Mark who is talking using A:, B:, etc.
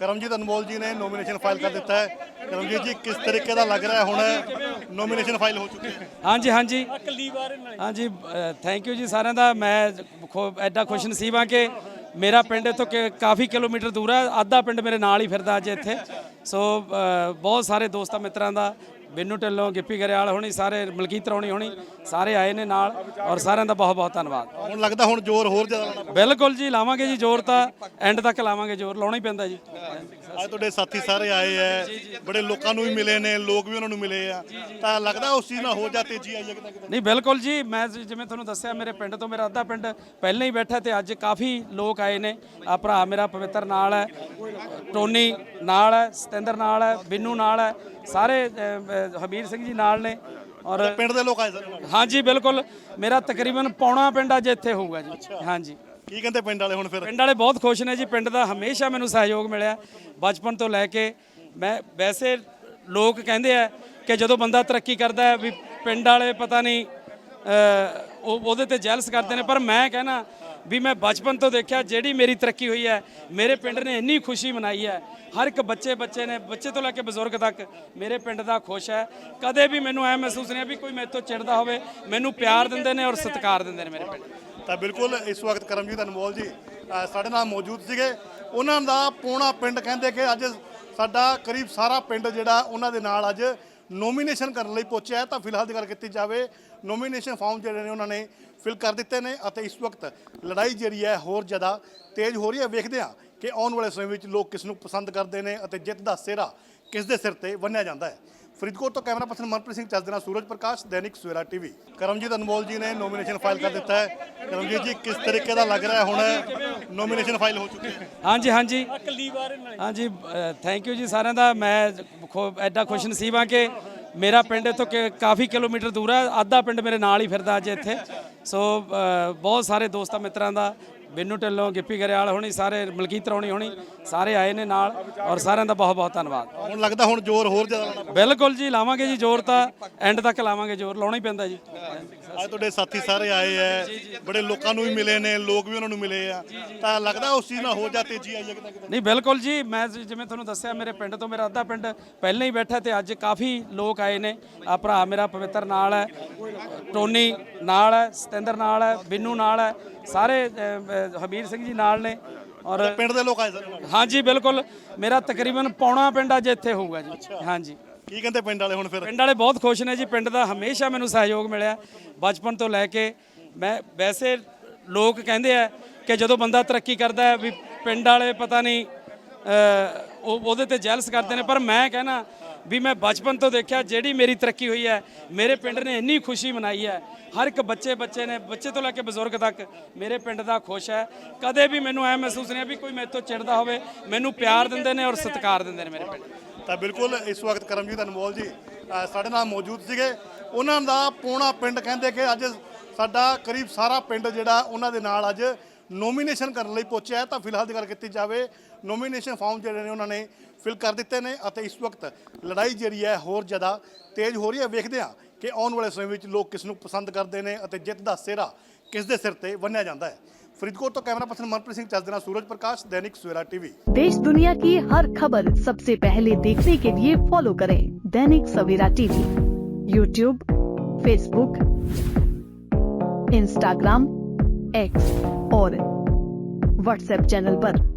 A: ਕਰਮਜੀਤ ਅਨਮੋਲ ਜੀ ਨੇ ਨੋਮੀਨੇਸ਼ਨ ਫਾइल कर ਦਿੱਤਾ है। ਕਰਮਜੀਤ ਜੀ किस तरीके ਦਾ ਲੱਗ ਰਿਹਾ ਹੁਣ ਨੋਮੀਨੇਸ਼ਨ ਫਾइल ਹੋ ਚੁੱਕੀ ਹੈ?
B: ਹਾਂਜੀ ਹਾਂਜੀ ਹਾਂਜੀ ਥੈਂਕ ਯੂ ਜੀ ਸਾਰਿਆਂ ਦਾ। ਮੈਂ ਐਡਾ ਖੁਸ਼ ਨਸੀਬ ਹਾਂ ਕਿ ਮੇਰਾ ਪਿੰਡ ਇੱਥੋਂ ਕਾਫੀ ਕਿਲੋਮੀਟਰ ਦੂਰ ਹੈ। ਅੱਧਾ ਪਿੰਡ ਮੇਰੇ ਨਾਲ ਹੀ ਫਿਰਦਾ ਅੱਜ ਇੱਥੇ। ਸੋ ਬਹੁਤ ਸਾਰੇ ਦੋਸਤਾਂ ਮਿੱਤਰਾਂ ਦਾ ਬਿੰਨੂ ਢਿੱਲੋਂ ਗਿੱਪੀ ਗਰੇਵਾਲ ਹੋਣੀ ਸਾਰੇ ਮਲਕੀਤ ਰੌਣੀ ਹੋਣੀ ਸਾਰੇ ਆਏ ਨੇ ਨਾਲ ਔਰ ਸਾਰਿਆਂ ਦਾ ਬਹੁਤ ਬਹੁਤ ਧੰਨਵਾਦ।
A: ਹੁਣ ਲੱਗਦਾ ਹੁਣ ਜ਼ੋਰ ਹੋਰ ਜ਼ਿਆਦਾ ਲਾਉਣਾ
B: ਬਿਲਕੁਲ ਜੀ ਲਾਵਾਂਗੇ ਜੀ ਜ਼ੋਰ ਤਾਂ ਐਂਡ ਤੱਕ ਲਾਵਾਂਗੇ ਜ਼ੋਰ ਲਾਉਣਾ ਹੀ ਪੈਂਦਾ ਜੀ।
A: ਅੱਜ ਤੁਹਾਡੇ ਸਾਥੀ ਸਾਰੇ ਆਏ ਹੈ ਬੜੇ ਲੋਕਾਂ ਨੂੰ ਵੀ ਮਿਲੇ ਨੇ ਲੋਕ ਵੀ ਉਹਨਾਂ ਨੂੰ ਮਿਲੇ ਆ ਤਾਂ ਲੱਗਦਾ ਉਸ ਚੀਜ਼ ਨਾਲ ਹੋ ਜਾ ਤੇਜ਼ੀ ਆਈ ਹੈ ਕਿਤੇ ਕਿਤੇ?
B: ਨਹੀਂ ਬਿਲਕੁਲ ਜੀ ਮੈਂ ਜਿਵੇਂ ਤੁਹਾਨੂੰ ਦੱਸਿਆ ਮੇਰੇ ਪਿੰਡ ਤੋਂ ਮੇਰਾ ਅੱਧਾ ਪਿੰਡ ਪਹਿਲਾਂ ਹੀ ਬੈਠਾ ਤੇ ਅੱਜ ਕਾਫੀ ਲੋਕ ਆਏ ਨੇ। ਆ ਭਰਾ ਮੇਰਾ ਪਵਿੱਤਰ ਨਾਲ ਹੈ, ਟੋਨੀ ਨਾਲ ਹੈ, ਸਤਿੰਦਰ ਨਾਲ ਹੈ, ਬਿੰਨੂ ਨਾਲ ਹੈ, ਸਾਰੇ ਹਮੀਰ ਸਿੰਘ ਜੀ ਨਾਲ ਨੇ ਔਰ
A: ਪਿੰਡ ਦੇ ਲੋਕ ਆਏ ਸਾਰੇ?
B: ਹਾਂਜੀ ਬਿਲਕੁਲ ਮੇਰਾ ਤਕਰੀਬਨ ਪੌਣਾ ਪਿੰਡ ਅੱਜ ਇੱਥੇ ਹੋਊਗਾ ਜੀ। ਹਾਂਜੀ
A: ਕੀ ਕਹਿੰਦੇ ਪਿੰਡ ਵਾਲੇ ਹੁਣ ਫਿਰ?
B: ਪਿੰਡ ਵਾਲੇ ਬਹੁਤ ਖੁਸ਼ ਨੇ ਜੀ। ਪਿੰਡ ਦਾ ਹਮੇਸ਼ਾ ਮੈਨੂੰ ਸਹਿਯੋਗ ਮਿਲਿਆ ਬਚਪਨ ਤੋਂ ਲੈ ਕੇ। ਮੈਂ ਵੈਸੇ ਲੋਕ ਕਹਿੰਦੇ ਆ ਕਿ ਜਦੋਂ ਬੰਦਾ ਤਰੱਕੀ ਕਰਦਾ ਹੈ ਵੀ ਪਿੰਡ ਵਾਲੇ ਪਤਾ ਨਹੀਂ ਉਹਦੇ ਤੇ ਜੈਲਸ ਕਰਦੇ ਨੇ, ਪਰ ਮੈਂ ਕਹਿਣਾ ਵੀ ਮੈਂ ਬਚਪਨ ਤੋਂ ਦੇਖਿਆ ਜਿਹੜੀ ਮੇਰੀ ਤਰੱਕੀ ਹੋਈ ਹੈ ਮੇਰੇ ਪਿੰਡ ਨੇ ਇੰਨੀ ਖੁਸ਼ੀ ਮਨਾਈ ਹੈ। ਹਰ ਇੱਕ ਬੱਚੇ ਨੇ ਬੱਚੇ ਤੋਂ ਲੈ ਕੇ ਬਜ਼ੁਰਗ ਤੱਕ ਮੇਰੇ ਪਿੰਡ ਦਾ ਖੁਸ਼ ਹੈ। ਕਦੇ ਵੀ ਮੈਨੂੰ ਐ ਮਹਿਸੂਸ ਨਹੀਂ ਵੀ ਕੋਈ ਮੇਰੇ ਤੋਂ ਚਿੜਦਾ ਹੋਵੇ। ਮੈਨੂੰ ਪਿਆਰ ਦਿੰਦੇ ਨੇ ਔਰ ਸਤਿਕਾਰ ਦਿੰਦੇ ਨੇ ਮੇਰੇ ਪਿੰਡ।
A: ਤਾਂ ਬਿਲਕੁਲ ਇਸ ਵਕਤ ਕਰਮਜੀਤ ਅਨਮੋਲ ਜੀ ਸਾਡੇ ਨਾਲ ਮੌਜੂਦ ਸੀਗੇ। ਉਹਨਾਂ ਦਾ ਪੌਣਾ ਪਿੰਡ ਕਹਿੰਦੇ ਕਿ ਅੱਜ ਸਾਡਾ ਕਰੀਬ ਸਾਰਾ ਪਿੰਡ ਜਿਹੜਾ ਉਹਨਾਂ ਦੇ ਨਾਲ ਅੱਜ ਨੋਮੀਨੇਸ਼ਨ ਕਰਨ ਲਈ ਪਹੁੰਚਿਆ ਹੈ। ਤਾਂ ਫਿਲਹਾਲ ਦੀ ਗੱਲ ਕੀਤੀ ਜਾਵੇ ਨੋਮੀਨੇਸ਼ਨ ਫਾਰਮ ਜਿਹੜੇ ਨੇ ਉਹਨਾਂ ਨੇ ਫਿਲ ਕਰ ਦਿੱਤੇ ਨੇ ਅਤੇ ਇਸ ਵਕਤ ਲੜਾਈ ਜਿਹੜੀ ਹੈ ਹੋਰ ਜ਼ਿਆਦਾ ਤੇਜ਼ ਹੋ ਰਹੀ ਹੈ। ਵੇਖਦੇ ਹਾਂ ਕਿ ਆਉਣ ਵਾਲੇ ਸਮੇਂ ਵਿੱਚ ਲੋਕ ਕਿਸ ਨੂੰ ਪਸੰਦ ਕਰਦੇ ਨੇ ਅਤੇ ਜਿੱਤ ਦਾ ਸਿਹਰਾ ਕਿਸ ਦੇ ਸਿਰ ਤੇ ਬੰਨ੍ਹਿਆ ਜਾਂਦਾ ਹੈ। ਫਰੀਦਕੋਟ ਤੋਂ ਕੈਮਰਾ ਪਰਸਨ ਮਨਪ੍ਰੀਤ ਸਿੰਘ ਚੱਜ ਦੇ ਨਾਲ ਸੂਰਜ ਪ੍ਰਕਾਸ਼, ਦੈਨਿਕ ਸਵੇਰਾ ਟੀਵੀ। ਕਰਮਜੀਤ ਅਨਮੋਲ ਜੀ ਨੇ ਨੋਮੀਨੇਸ਼ਨ ਫਾइल ਕਰ ਦਿੱਤਾ ਹੈ। ਕਰਮਜੀਤ ਜੀ ਕਿਸ ਤਰੀਕੇ ਦਾ ਲੱਗ ਰਿਹਾ ਹੁਣ ਨੋਮੀਨੇਸ਼ਨ ਫਾइल ਹੋ ਚੁੱਕੀ ਹੈ?
B: ਹਾਂਜੀ ਹਾਂਜੀ ਹਾਂਜੀ ਥੈਂਕ ਯੂ ਜੀ ਸਾਰਿਆਂ ਦਾ। ਮੈਂ ਐਡਾ ਖੁਸ਼ ਨਸੀਬ ਹਾਂ ਕਿ ਮੇਰਾ ਪਿੰਡ ਇੱਥੋਂ ਕਾਫੀ ਕਿਲੋਮੀਟਰ ਦੂਰ ਹੈ। ਅੱਧਾ ਪਿੰਡ ਮੇਰੇ ਨਾਲ ਹੀ ਫਿਰਦਾ ਅੱਜ ਇੱਥੇ। ਸੋ ਬਹੁਤ ਸਾਰੇ ਦੋਸਤਾਂ ਮਿੱਤਰਾਂ ਦਾ ਬਿੰਨੂ ਢਿੱਲੋਂ ਗਿੱਪੀ ਗਰੇਵਾਲ ਹੋਣੀ ਸਾਰੇ ਮਲਕੀਤ ਰੌਣੀ ਹੋਣੀ ਸਾਰੇ ਆਏ ਨੇ ਨਾਲ ਔਰ ਸਾਰਿਆਂ ਦਾ ਬਹੁਤ ਬਹੁਤ ਧੰਨਵਾਦ।
A: ਹੁਣ ਲੱਗਦਾ ਹੁਣ ਜ਼ੋਰ ਹੋਰ ਜ਼ਿਆਦਾ ਲਾਉਣਾ
B: ਬਿਲਕੁਲ ਜੀ ਲਾਵਾਂਗੇ ਜੀ ਜ਼ੋਰ ਤਾਂ ਐਂਡ ਤੱਕ ਲਾਵਾਂਗੇ ਜ਼ੋਰ ਲਾਉਣਾ ਹੀ ਪੈਂਦਾ ਜੀ।
A: ਅੱਜ ਤੁਹਾਡੇ ਸਾਥੀ ਸਾਰੇ ਆਏ ਹੈ ਬੜੇ ਲੋਕਾਂ ਨੂੰ ਵੀ ਮਿਲੇ ਨੇ ਲੋਕ ਵੀ ਉਹਨਾਂ ਨੂੰ ਮਿਲੇ ਆ ਤਾਂ ਲੱਗਦਾ ਉਸ ਚੀਜ਼ ਨਾਲ ਹੋ ਜਾ ਤੇਜ਼ੀ ਆਈ ਹੈ ਕਿਤੇ ਕਿਤੇ?
B: ਨਹੀਂ ਬਿਲਕੁਲ ਜੀ ਮੈਂ ਜਿਵੇਂ ਤੁਹਾਨੂੰ ਦੱਸਿਆ ਮੇਰੇ ਪਿੰਡ ਤੋਂ ਮੇਰਾ ਅੱਧਾ ਪਿੰਡ ਪਹਿਲਾਂ ਹੀ ਬੈਠਾ ਤੇ ਅੱਜ ਕਾਫੀ ਲੋਕ ਆਏ ਨੇ। ਆ ਭਰਾ ਮੇਰਾ ਪਵਿੱਤਰ ਨਾਲ ਹੈ, ਟੋਨੀ ਨਾਲ ਹੈ, ਸਤਿੰਦਰ ਨਾਲ ਹੈ, ਬਿੰਨੂ ਨਾਲ ਹੈ, ਸਾਰੇ ਹਮੀਰ ਸਿੰਘ ਜੀ ਨਾਲ ਨੇ ਔਰ
A: ਪਿੰਡ ਦੇ ਲੋਕ ਆਏ ਸਾਰੇ?
B: ਹਾਂਜੀ ਬਿਲਕੁਲ ਮੇਰਾ ਤਕਰੀਬਨ ਪੌਣਾ ਪਿੰਡ ਅੱਜ ਇੱਥੇ ਹੋਊਗਾ ਜੀ। ਹਾਂਜੀ
A: ਕੀ ਕਹਿੰਦੇ ਪਿੰਡ ਵਾਲੇ ਹੁਣ ਫਿਰ?
B: ਪਿੰਡ ਵਾਲੇ ਬਹੁਤ ਖੁਸ਼ ਨੇ ਜੀ। ਪਿੰਡ ਦਾ ਹਮੇਸ਼ਾ ਮੈਨੂੰ ਸਹਿਯੋਗ ਮਿਲਿਆ ਬਚਪਨ ਤੋਂ ਲੈ ਕੇ। ਮੈਂ ਵੈਸੇ ਲੋਕ ਕਹਿੰਦੇ ਆ ਕਿ ਜਦੋਂ ਬੰਦਾ ਤਰੱਕੀ ਕਰਦਾ ਹੈ ਵੀ ਪਿੰਡ ਵਾਲੇ ਪਤਾ ਨਹੀਂ ਉਹਦੇ ਤੇ ਜੈਲਸ ਕਰਦੇ ਨੇ, ਪਰ ਮੈਂ ਕਹਿਣਾ ਵੀ ਮੈਂ ਬਚਪਨ ਤੋਂ ਦੇਖਿਆ ਜਿਹੜੀ ਮੇਰੀ ਤਰੱਕੀ ਹੋਈ ਹੈ ਮੇਰੇ ਪਿੰਡ ਨੇ ਇੰਨੀ ਖੁਸ਼ੀ ਮਨਾਈ ਹੈ। ਹਰ ਇੱਕ ਬੱਚੇ ਨੇ ਬੱਚੇ ਤੋਂ ਲੈ ਕੇ ਬਜ਼ੁਰਗ ਤੱਕ ਮੇਰੇ ਪਿੰਡ ਦਾ ਖੁਸ਼ ਹੈ। ਕਦੇ ਵੀ ਮੈਨੂੰ ਐ ਮਹਿਸੂਸ ਨਹੀਂ ਵੀ ਕੋਈ ਮੇਰੇ ਤੋਂ ਚਿੜਦਾ ਹੋਵੇ। ਮੈਨੂੰ ਪਿਆਰ ਦਿੰਦੇ ਨੇ ਔਰ ਸਤਿਕਾਰ ਦਿੰਦੇ ਨੇ ਮੇਰੇ ਪਿੰਡ।
A: ਤਾਂ ਬਿਲਕੁਲ ਇਸ ਵਕਤ ਕਰਮਜੀਤ ਅਨਮੋਲ ਜੀ ਸਾਡੇ ਨਾਲ ਮੌਜੂਦ ਸੀਗੇ। ਉਹਨਾਂ ਦਾ ਪੌਣਾ ਪਿੰਡ ਕਹਿੰਦੇ ਕਿ ਅੱਜ ਸਾਡਾ ਕਰੀਬ ਸਾਰਾ ਪਿੰਡ ਜਿਹੜਾ ਉਹਨਾਂ ਦੇ ਨਾਲ ਅੱਜ ਨੋਮੀਨੇਸ਼ਨ ਕਰਨ ਲਈ ਪਹੁੰਚਿਆ ਹੈ। ਤਾਂ ਫਿਲਹਾਲ ਦੀ ਗੱਲ ਕੀਤੀ ਜਾਵੇ ਨੋਮੀਨੇਸ਼ਨ ਫਾਰਮ ਜਿਹੜੇ ਨੇ ਉਹਨਾਂ ਨੇ ਫਿਲ ਕਰ ਦਿੱਤੇ ਨੇ ਅਤੇ ਇਸ ਵਕਤ ਲੜਾਈ ਜਿਹੜੀ ਹੈ ਹੋਰ ਜ਼ਿਆਦਾ ਤੇਜ਼ ਹੋ ਰਹੀ ਹੈ। ਵੇਖਦੇ ਹਾਂ ਕਿ ਆਉਣ ਵਾਲੇ ਸਮੇਂ ਵਿੱਚ ਲੋਕ ਕਿਸ ਨੂੰ ਪਸੰਦ ਕਰਦੇ ਨੇ ਅਤੇ ਜਿੱਤ ਦਾ ਸਿਹਰਾ ਕਿਸ ਦੇ ਸਿਰ ਤੇ ਬੰਨ੍ਹਿਆ ਜਾਂਦਾ ਹੈ। फरीदकोट तो कैमरा पर्सन मनप्रीत सिंह चल सूरज प्रकाश, दैनिक सवेरा टीवी।
C: देश दुनिया की हर खबर सबसे पहले देखने के लिए फॉलो करें Dainik Savera TV, YouTube, Facebook, Instagram, X और व्हाट्सएप चैनल पर।